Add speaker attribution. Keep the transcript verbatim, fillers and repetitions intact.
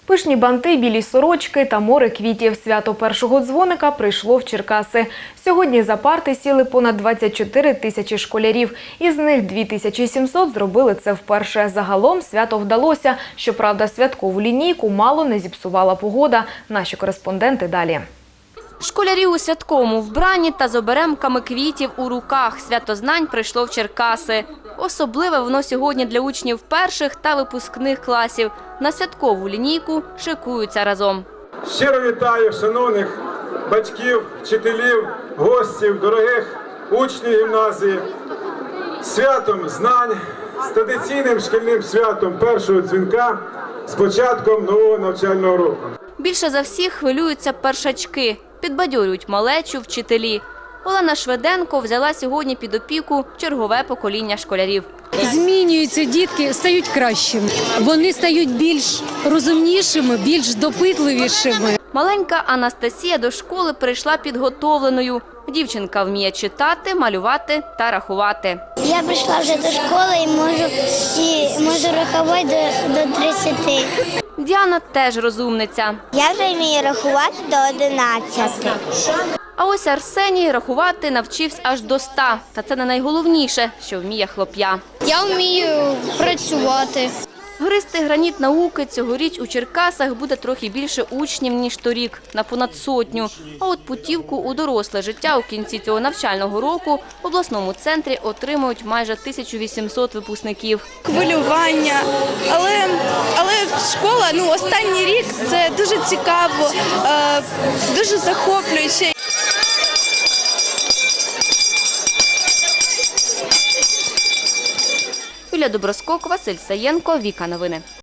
Speaker 1: Пишні банти, білі сорочки та море квітів. Свято першого дзвоника прийшло в Черкаси. Сьогодні за парти сіли понад двадцять чотири тисячі школярів. Із них дві тисячі сімсот зробили це вперше. Загалом свято вдалося. Щоправда, святкову лінійку мало не зіпсувала погода. Наші кореспонденти далі.
Speaker 2: Школярі у святковому вбранні та з оберемками квітів у руках. Свято знань прийшло в Черкаси. Особливе воно сьогодні для учнів перших та випускних класів. На святкову лінійку шикуються разом.
Speaker 3: Щиро вітаю шановних батьків, вчителів, гостів, дорогих учнів гімназії. Святом знань, з традиційним шкільним святом першого дзвінка з початком нового навчального року.
Speaker 2: Більше за всіх хвилюються першачки. Підбадьорюють малечу вчителі. Олена Шведенко взяла сьогодні під опіку чергове покоління школярів.
Speaker 4: Змінюються дітки, стають кращими. Вони стають більш розумнішими, більш допитливішими.
Speaker 2: Маленька Анастасія до школи прийшла підготовленою. Дівчинка вміє читати, малювати та рахувати.
Speaker 5: Я прийшла вже до школи і можу, і можу рахувати до, до тридцяти.
Speaker 2: Діана теж розумниця.
Speaker 5: Я вже вмію рахувати до одинадцяти.
Speaker 2: А ось Арсеній рахувати навчився аж до ста. Та це не найголовніше, що вміє хлоп'я.
Speaker 6: Я вмію працювати.
Speaker 2: Гристи граніт науки цьогоріч у Черкасах буде трохи більше учнів, ніж торік, на понад сотню. А от путівку у доросле життя у кінці цього навчального року в обласному центрі отримують майже тисячу вісімсот випускників.
Speaker 7: Хвилювання, але, але школа, ну, останній рік – це дуже цікаво, е, дуже захоплююче.
Speaker 2: Юлія Доброскок, Василь Саєнко, Віка Новини.